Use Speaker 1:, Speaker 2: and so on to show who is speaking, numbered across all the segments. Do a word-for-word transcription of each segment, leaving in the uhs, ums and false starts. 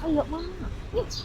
Speaker 1: ให้เยอะมากอืม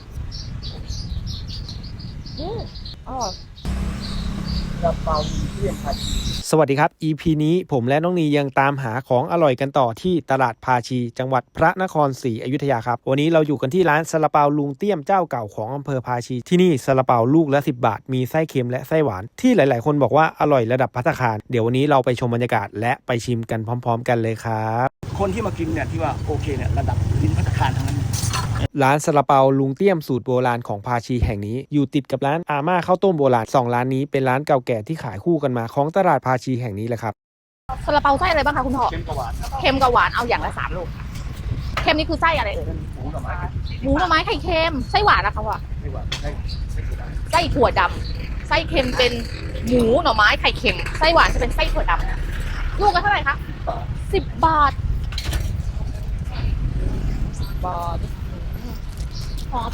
Speaker 1: อืมอร่อยกระเป๋าเทียมผัด
Speaker 2: สวัสดีครับ อี พี นี้ผมและน้องนียังตามหาของอร่อยกันต่อที่ตลาดภาชีจังหวัดพระนครศรีอยุธยาครับวันนี้เราอยู่กันที่ร้านซาลาเปาลุงเตี้ยมเจ้าเก่าของอำเภอภาชีที่นี่ซาลาเปาลูกละสิบบาทมีไส้เค็มและไส้หวานที่หลายๆคนบอกว่าอร่อยระดับภัตตาคารเดี๋ยววันนี้เราไปชมบรรยากาศและไปชิมกันพร้อมๆกันเลยครับ
Speaker 3: คนที่มากินเนี่ยที่ว่าโอเคเนี่ยระดับลิ้นภัตตาคารทั้งนั้น
Speaker 2: ร้านซาลาเปาลุงเตี้ยมสูตรโบราณของภาชีแห่งนี้อยู่ติดกับร้านอาม่าข้าวต้มโบราณสองร้านนี้เป็นร้านเก่าแก่ที่ขายคู่กันมาของตลาดภาชีแห่งนี้แหละครับ
Speaker 1: ซาลาเปาไส้อะไรบ้างคะคุณพ่อ
Speaker 3: เค็มกว่าหวานครับ
Speaker 1: เค็มกับหวานเอาอย่างละสามลูกเค็มนี่คือไส้อะไรเอ่ย
Speaker 3: หมูกับไม้
Speaker 1: หมูหน่อไม้ไข่เค็มไส้หวานนะคะพ่อ
Speaker 3: ไม่หวานไส้ไส้ถั่วด
Speaker 1: ไส้ถั่วดำไส้เค็มเป็นหมูหน่อไม้ไข่เค็มไส้หวานจะเป็นไส้ถั่วดำลูกละเท่าไหร่คะ
Speaker 3: ำ
Speaker 1: สิบบาทสิบบาทหอม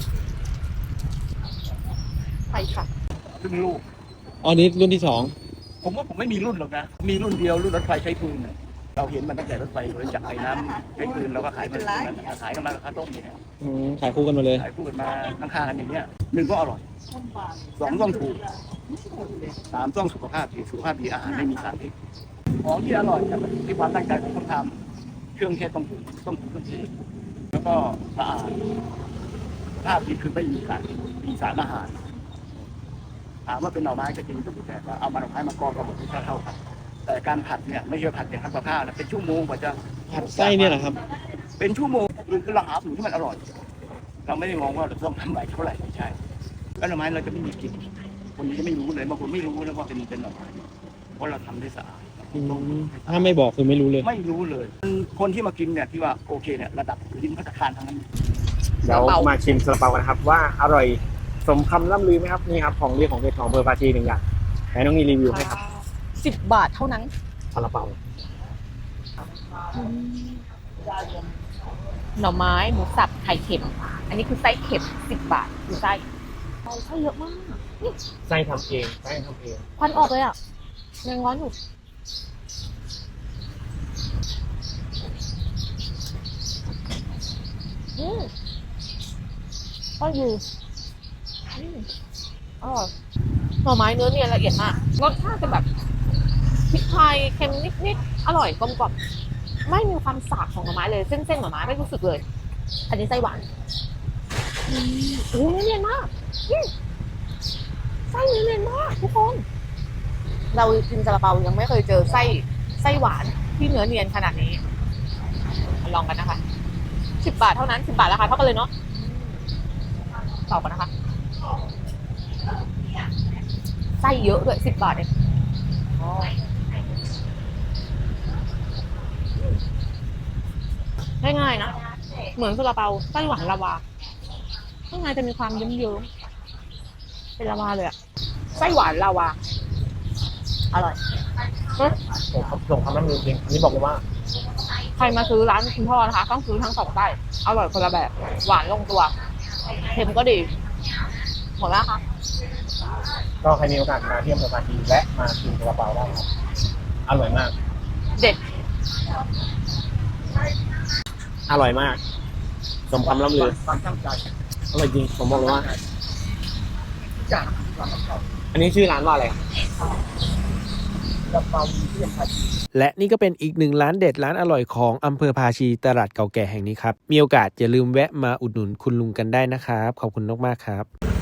Speaker 1: ใช่ค่ะ
Speaker 3: ครึ่งลูก
Speaker 2: อ๋อนี้รุ่นที่สอง
Speaker 3: ผมว่าผมไม่มีรุ่นหรอกนะมีรุ่นเดียวรุ่นรถไฟใช้ฟืนน่ะเราเห็นมันตั้งแต่รถไฟเลยจากไอ้น้ำใช้ฟืนเราก็ขายเป็นนั้นขายกันมากับข้าวต้มเนี่ย
Speaker 2: ขายคู่กันมาเลย
Speaker 3: ขายพูดมาข้างๆกันอย่างเงี้ยหนึ่งก็อร่อยสองต้องถูกสามต้องสุขภาพดีสุขภาพดีอาหารไม่มีสารพิษของที่อร่อยเนี่ยมันที่ความตั้งใจของคนทำเครื่องเทศต้องถูกต้องถูกเครื่องเทศแล้วก็สะอาดภาพดีคือไม่มีสารมีสารอาหารถามว่าเป็นหน่อไม้ก็จริงแต่ว่าเอามาหน่อไม้มากรองกับหมดที่เท่ากันแต่การผัดเนี่ยไม่ใช่ผัดอย่างทำกับข้าวนะเป็นชั่วโมงกว่าจะ
Speaker 2: ผัดไส้เนี่ยเหรอครับ
Speaker 3: เป็นชั่วโมงคือเราหาสูตรที่มันอร่อย เราไม่ได้มองว่าเราต้องทำไหนเท่าไหร่ไม่ใช่แล้วหน่อไม้เราจะไม่มีกลิ่นคนนี้จะไม่รู้เลยบางคนไม่รู้เลยว่าเป็นเป็นหน่อไม้เพราะเราทำได้สะอาด
Speaker 2: ถ้าไม่บอกคือไม่รู้เลย
Speaker 3: ไม่รู้เลยคนที่มากินเนี่ยที่ว่าโอเคเนี่ยระดับลิ้นภัตตาคารทั้งนั้น
Speaker 2: เดี๋ยวมาชิมซาลาเปากันนะครับว่าอร่อยสมคำล่ำลือไหมครับนี่ครับของเรียกของเด็ดของอำเภอภาชีหนึ่งอย่างไหนน้องนีรีวิวให้ครับ
Speaker 1: สิบบาทเท่านั้น
Speaker 2: ซาลาเปา
Speaker 1: หน่อไม้หมูสับไข่เค็มอันนี้คือไส้เค็มสิบบาทคือไส้ไส้เยอะมากนี่
Speaker 2: ไส้ทำเองไส้ทำเอง
Speaker 1: ควันออกเลยอ่ะยังร้อนอยู่อืมก็อยู่อืมอร่อยหน่อไม้เนื้อเนียนละเอียดมากรสชาติจะแบบพริกไทยเค็มนิดๆอร่อยกลมกล่อมไม่มีความสาบของหน่อไม้เลยเส้นๆหน่อไม้ไม่รู้สึกเลยอันนี้ไส้หวานอืมโอ้เนื้อเนียนมากอืมไส้เนื้อเนียนมากทุกคนเรากินซาลาเปายังไม่เคยเจอไส้ไส้หวานที่เนื้อเนียนขนาดนี้มาลองกันนะคะสิบบาทเท่านั้นสิบบาทราคาเท่ากันเลยเนาะต่อกันนะคะไส้เยอะด้วยสิบบาทเองง่ายๆนะเหมือนซาลาเปาไส้หวานลาวาข้างในจะมีความเยิ้มๆเป็นลาวาเลยอะไส้หวานลาวาอร่อย
Speaker 2: ผมส่งคำล่ำลือจริงอันนี้บอกเลยว่า
Speaker 1: ใครมาซื้อร้านคุณพ่อนะคะต้องซื้อทั้งสองไส้อร่อยคนละแบบหวานลงตัวเค็มก็ดีหมดแล้วค่ะ
Speaker 2: ก็ใครมีโอกาสมาเที่ยวอำเภอภาชีและมากินซาลาเปาได้ครับอร่อยมาก
Speaker 1: เด็ด
Speaker 2: อร่อยมากสมคำล่ำลือ
Speaker 3: ความตั้งใจ
Speaker 2: อร่อยจริงผมบอกเลยว่าอันนี้ชื่อร้านว่าอะไรและนี่ก็เป็นอีกหนึ่งร้านเด็ดร้านอร่อยของอำเภอภาชีตลาดเก่าแก่แห่งนี้ครับมีโอกาสอย่าลืมแวะมาอุดหนุนคุณลุงกันได้นะครับขอบคุณมากๆครับ